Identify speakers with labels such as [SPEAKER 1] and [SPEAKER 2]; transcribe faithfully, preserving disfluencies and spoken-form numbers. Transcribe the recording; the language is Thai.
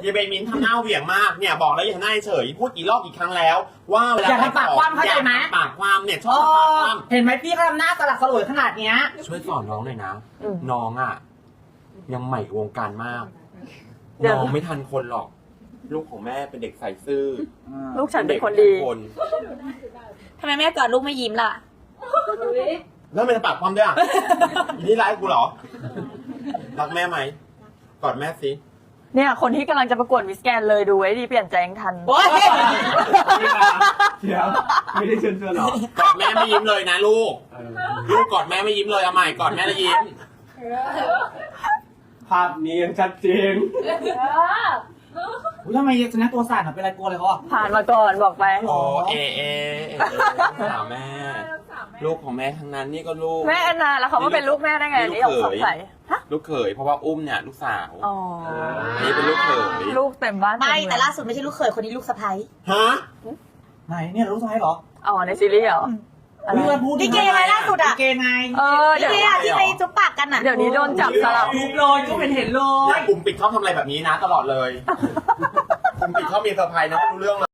[SPEAKER 1] ยายเบนมินทำหน้าเหวี่ยงมากเนี่ยบอกแล้วอย่าหน้าเฉยพูดกี่รอบกี่ครั้งแล้ว ว่าเวลา
[SPEAKER 2] อย่าทำปากคว่ำเข้าใจไหม
[SPEAKER 1] อย่าทำปากคว่ำเนี่ยชอบทำปากคว่ำ
[SPEAKER 2] เห็นไหมพี่เขาทำหน้าสลักสลวยขนาดเนี้ย
[SPEAKER 1] ช่วยสอนน้องหน่อยนะ น้องอ่ะ ยังใหม่วงการมาก
[SPEAKER 3] เดี๋ยว
[SPEAKER 1] น้องไม่ทันคนหรอก ลูกของแม่เป็นเด็กใส่ซื่อ
[SPEAKER 3] ลูกฉันเป็นคนดี
[SPEAKER 1] คน
[SPEAKER 4] ทำไมแม่กอดลูกไม่ยิ้มล่ะ
[SPEAKER 1] แล้วมันจะปากความด้วยอ่ะ อีนี่ร้ายกูเหรอ รักแม่ไหมกอดแม่สิ
[SPEAKER 3] เนี่ยคนที่กำลังจะประกวดมิสแกนเลยดูไว้ดีเปลี่ยนใจยังทัน
[SPEAKER 2] โอ๊ย
[SPEAKER 5] เดี๋ยวไม่ได้เชิญชวนหรอก
[SPEAKER 1] อดแม่ไม่ยิ้มเลยนะลูก ลูกกอดแม่ไม่ยิ้มเลยเอาใหม่กอดแม่แล้วยิ้ม
[SPEAKER 5] ภาพนี้ยังชัดเจน
[SPEAKER 2] อุ๊ยทำไมชนะตัวสั่นอ่ะเป็นไรกลัวอะไรเขาอ่ะ
[SPEAKER 3] ผ่านมาก่อนบอกไป
[SPEAKER 1] โอเอเอเอสาวแม่ ลูกของแม่ทั้งนั้นนี่ก็ลูก
[SPEAKER 3] แม่แอนนาแล้วเขามาเป็นลูกแม่ได้ไง
[SPEAKER 1] นี่
[SPEAKER 3] นี่
[SPEAKER 1] ลู
[SPEAKER 3] ย
[SPEAKER 1] ก
[SPEAKER 3] ก
[SPEAKER 1] เขย
[SPEAKER 3] สงสัยฮะ
[SPEAKER 1] ลูกเขยเพราะว่าอุ้มเนี่ยลูกสาว
[SPEAKER 3] อ๋อ
[SPEAKER 1] นี่เป็นลูกเขย
[SPEAKER 3] ลูกเต็มบ้าน
[SPEAKER 4] ไม่
[SPEAKER 3] เมือง
[SPEAKER 4] แต่ล่าสุดไม่ใช่ลูกเขยคนนี้ลูกสะใภ้
[SPEAKER 1] ฮะ
[SPEAKER 2] ไหนเนี่ยรู้สมัยเหรอ
[SPEAKER 3] อ๋อในซีรีส์เหรออะไร
[SPEAKER 2] เพื่อนพูด
[SPEAKER 4] ลิเกไงล่าสุด
[SPEAKER 2] ลิ
[SPEAKER 4] อ่ะ
[SPEAKER 2] เกไง
[SPEAKER 3] เออ
[SPEAKER 4] ลิ
[SPEAKER 3] เดี๋ยว
[SPEAKER 4] เกอะที่ไปจุ๊บปากกันอ่ะ
[SPEAKER 3] เดี๋ยวนี้โดนจับสลับ
[SPEAKER 2] รูปเลยก็เป็นเห็นเล
[SPEAKER 1] เนี่ย ยกลุ่มปิดเขาทำอะไรแบบนี้นะตลอดเลยกลุ่มปิดเขามีเซอร์ไพรส์นะไม่รู้เรื่องเลย